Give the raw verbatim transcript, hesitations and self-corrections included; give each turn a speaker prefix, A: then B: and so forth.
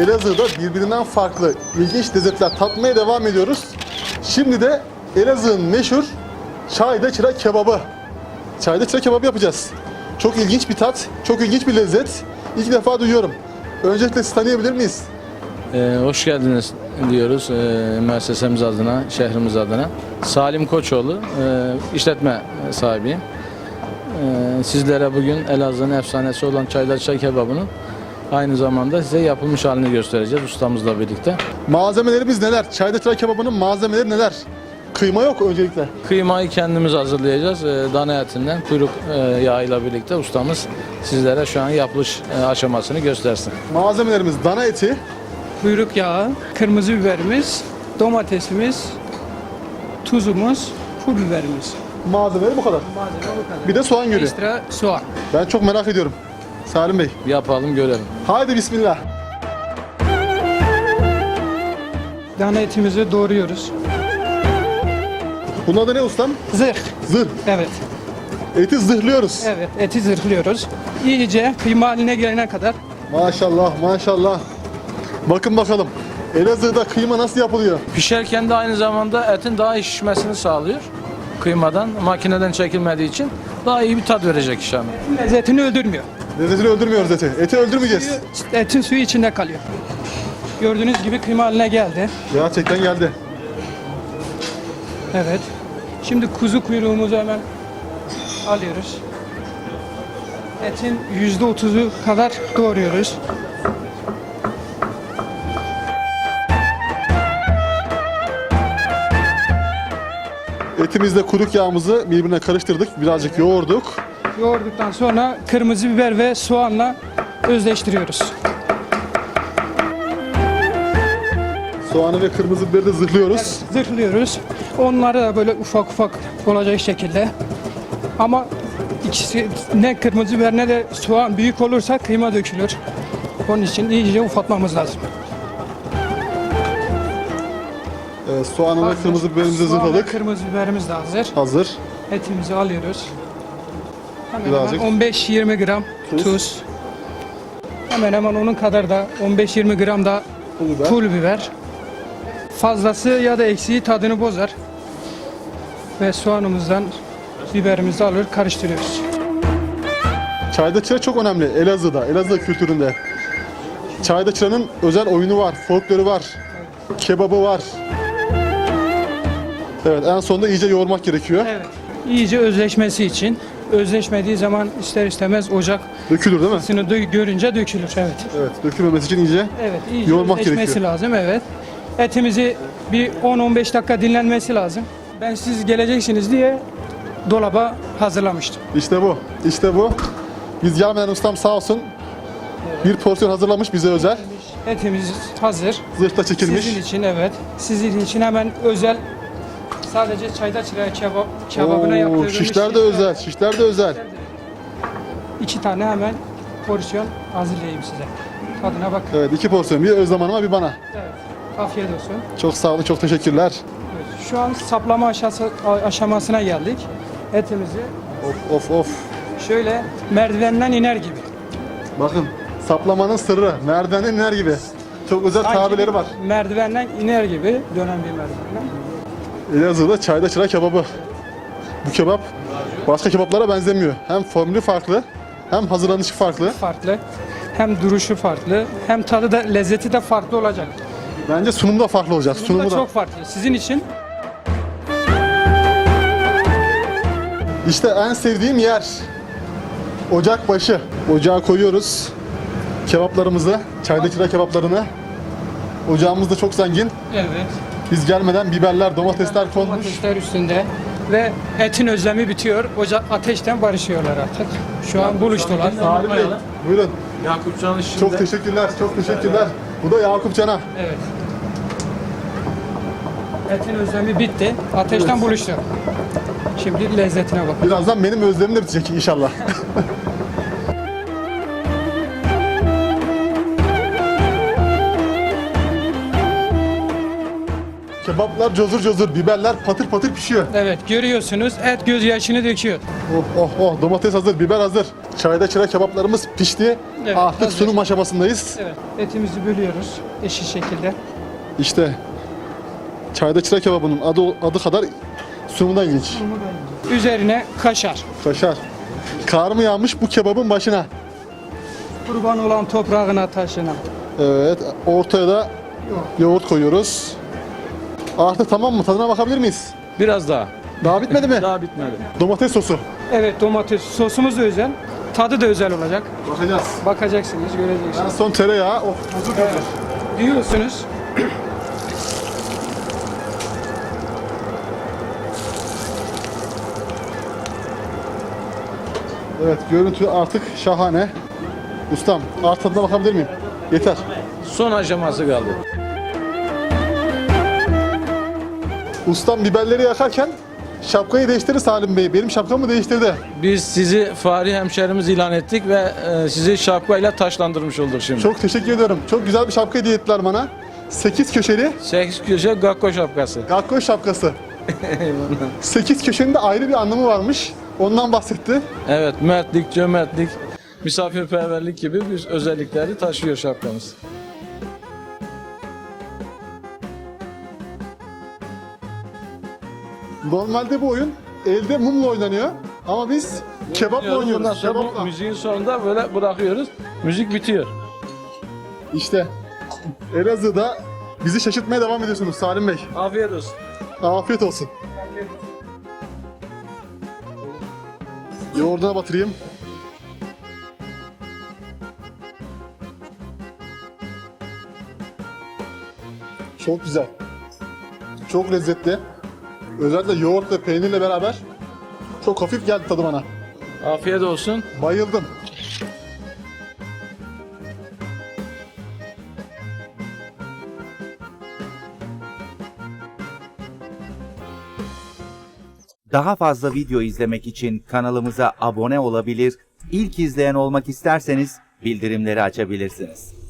A: Elazığ'da birbirinden farklı ilginç lezzetler tatmaya devam ediyoruz. Şimdi de Elazığ'ın meşhur çayda çıra kebabı. Çayda çıra kebabı yapacağız. Çok ilginç bir tat, çok ilginç bir lezzet. İlk defa duyuyorum. Öncelikle sizi tanıyabilir miyiz?
B: Ee, hoş geldiniz diyoruz e, müessesemiz adına, şehrimiz adına. Salim Koçoğlu, e, işletme sahibiyim. E, sizlere bugün Elazığ'ın efsanesi olan çayda çıra kebabının aynı zamanda size yapılmış halini göstereceğiz ustamızla birlikte.
A: Malzemelerimiz neler? Çayda çıra kebabının malzemeleri neler? Kıyma yok öncelikle.
B: Kıymayı kendimiz hazırlayacağız. E, dana etinden kuyruk e, yağıyla birlikte ustamız sizlere şu an yapılış e, aşamasını göstersin.
A: Malzemelerimiz dana eti,
C: Kuyruk yağı, kırmızı biberimiz, domatesimiz, tuzumuz, pul biberimiz.
A: malzemeleri bu kadar.
C: Malzeme bu kadar.
A: Bir de soğan gölü.
C: Ekstra soğan.
A: Ben çok merak ediyorum. Salim Bey.
B: Yapalım görelim.
A: Haydi bismillah.
C: Dana etimizi doğruyoruz.
A: Bunun adı ne ustam?
C: Zırh.
A: Zırh.
C: Evet.
A: Eti zırhlıyoruz.
C: Evet, eti zırhlıyoruz. İyice kıyma haline gelene kadar.
A: Maşallah maşallah. Bakın bakalım. Elazığ'da kıyma nasıl yapılıyor?
B: Pişerken de aynı zamanda etin daha iyi şişmesini sağlıyor. Kıymadan, makineden çekilmediği için daha iyi bir tat verecek inşallah.
C: Lezzetini öldürmüyor.
A: Lezzetini öldürmüyoruz eti. Eti öldürmeyeceğiz.
C: Suyu- Etin suyu içinde kalıyor. Gördüğünüz gibi kıyma haline geldi.
A: Gerçekten geldi.
C: Evet. Şimdi kuzu kuyruğumuzu hemen alıyoruz. Etin yüzde otuzu kadar doğruyoruz.
A: Etimizle kuyruk yağımızı birbirine karıştırdık. Birazcık yoğurduk.
C: Yoğurduktan sonra kırmızı biber ve soğanla özleştiriyoruz.
A: Soğanı ve kırmızı biberi de zırhlıyoruz.
C: Zırhlıyoruz. Onları da böyle ufak ufak olacak şekilde. Ama ikisi ne kırmızı biber ne de soğan büyük olursa kıyma dökülür. Onun için iyice ufatmamız lazım.
A: Ee, soğanı ve kırmızı biberimizi
C: Soğan ve
A: zırhladık.
C: kırmızı biberimiz de hazır.
A: Hazır.
C: Etimizi alıyoruz. Hemen
A: Birazcık.
C: hemen on beş yirmi gram
A: Tuz.
C: tuz. Hemen hemen onun kadar da on beş yirmi gram da
A: Pul biber.
C: pul biber. Fazlası ya da eksiği tadını bozar. Ve soğanımızdan biberimizi alır karıştırıyoruz.
A: Çayda çıra çok önemli Elazığ'da, Elazığ kültüründe. Çayda çıranın özel oyunu var, folkloru var, kebabı var. Evet, en sonunda iyice yoğurmak gerekiyor.
C: Evet. İyice özleşmesi için. Özleşmediği zaman ister istemez ocak
A: Dökülür değil mi?
C: ısını dö- görünce dökülür. Evet.
A: Evet, dökülmemesi için iyice.
C: Evet. İyice
A: Yoğurmak
C: özleşmesi
A: gerekiyor.
C: lazım. Evet. Etimizi bir on on beş dakika dinlenmesi lazım. Ben siz geleceksiniz diye dolaba hazırlamıştım.
A: İşte bu, işte bu. Biz gelmeden ustam sağ olsun bir porsiyon hazırlamış bize özel.
C: Etimiz hazır.
A: Zırhta çekilmiş.
C: Sizin için evet. Sizin için hemen özel sadece çayda çıra kebap kebabına
A: Oo,
C: yaptığımız
A: şişler de özel, şişler de özel.
C: İki tane hemen porsiyon hazırlayayım size. Tadına bakın.
A: Evet, iki porsiyon. Bir Özlem Hanım'a, bir bana.
C: Evet. Afiyet olsun.
A: Çok sağ olun, çok teşekkürler.
C: Evet. Şu an saplama aşası, aşamasına geldik. Etimizi
A: Of of of.
C: şöyle merdivenden iner gibi.
A: Bakın, saplamanın sırrı, merdivenden iner gibi. Çok özel
C: Sanki
A: tabirleri var.
C: Merdivenden iner gibi dönen bir merdivenden.
A: Elazığ'da çayda çıra kebabı. Bu kebap başka kebaplara benzemiyor. Hem formülü farklı, hem hazırlanışı farklı.
C: Farklı. Hem duruşu farklı, hem tadı da lezzeti de farklı olacak.
A: Bence sunum da farklı olacak.
C: Bu
A: Sunumu
C: da
A: da.
C: çok farklı. Sizin için
A: İşte en sevdiğim yer. Ocak başı. Ocağa koyuyoruz kebaplarımızı, çayda çıra kebaplarını. Ocağımız da çok zengin.
C: evet.
A: Biz gelmeden biberler, domatesler konmuş.
C: Domatesler üstünde ve etin özlemi bitiyor. Ocak ateşten barışıyorlar artık. Şu an buluştular.
A: Salim Bey, buyurun.
B: Yakup Can işinde.
A: Çok teşekkürler, çok teşekkürler. Bu da Yakup Can'a.
C: Evet. Etin özlemi bitti. Ateşten
A: Evet.
C: buluştu. Şimdi lezzetine bakın.
A: Birazdan benim özlemim de bitecek inşallah. Kebaplar cozur cozur, biberler patır patır pişiyor.
C: Evet, görüyorsunuz et gözyaşını döküyor.
A: Oh oh oh, domates hazır, biber hazır. Çayda çıra kebaplarımız pişti.
C: Evet,
A: Artık
C: hazır.
A: sunum aşamasındayız.
C: Evet, etimizi bölüyoruz eşit şekilde.
A: İşte çayda çıra kebabının adı adı kadar sunumu da ilginç.
C: Üzerine kaşar.
A: Kaşar. Kar mı yağmış bu kebabın başına?
C: Kurban olan toprağına, taşına.
A: Evet, ortaya da yoğurt koyuyoruz. Artık tamam mı? Tadına bakabilir miyiz?
B: Biraz daha.
A: Daha bitmedi mi?
B: Daha bitmedi.
A: Domates sosu.
C: Evet, domates sosumuz da özel. Tadı da özel olacak.
A: Bakacağız.
C: Bakacaksınız,
A: En
C: göreceksiniz.
A: son tereyağı. Oh, huzur
C: Evet. Diyorsunuz.
A: Evet, görüntü artık şahane. Ustam, artık tadına bakabilir miyim? Yeter.
B: Son aşaması kaldı.
A: Ustam biberleri yakarken şapkayı değiştirdi Salim Bey. Benim şapkamı değiştirdi.
B: Biz sizi Fahri hemşerimiz ilan ettik ve e, sizi şapkayla taşlandırmış olduk şimdi.
A: Çok teşekkür ediyorum. Çok güzel bir şapka hediye ettiler bana. sekiz köşeli
B: Sekiz köşe gakko şapkası.
A: Gakko şapkası. sekiz köşenin de ayrı bir anlamı varmış. Ondan bahsetti.
B: Evet, mertlik, cömertlik, misafirperverlik gibi bir özellikleri taşıyor şapkamız.
A: Normalde bu oyun elde mumla oynanıyor. Ama biz kebapla oynuyoruz.
B: Ondan sonra bu
A: Kebapla.
B: müziğin sonunda böyle bırakıyoruz. Müzik bitiyor.
A: İşte Elazığ'da bizi şaşırtmaya devam ediyorsunuz Salim Bey.
B: Afiyet olsun.
A: Afiyet olsun. Yoğurduna batırayım. Çok güzel. Çok lezzetli. Özellikle yoğurt ve peynirle beraber çok hafif geldi tadı bana.
B: Afiyet olsun.
A: Bayıldım.
D: Daha fazla video izlemek için kanalımıza abone olabilir, ilk izleyen olmak isterseniz bildirimleri açabilirsiniz.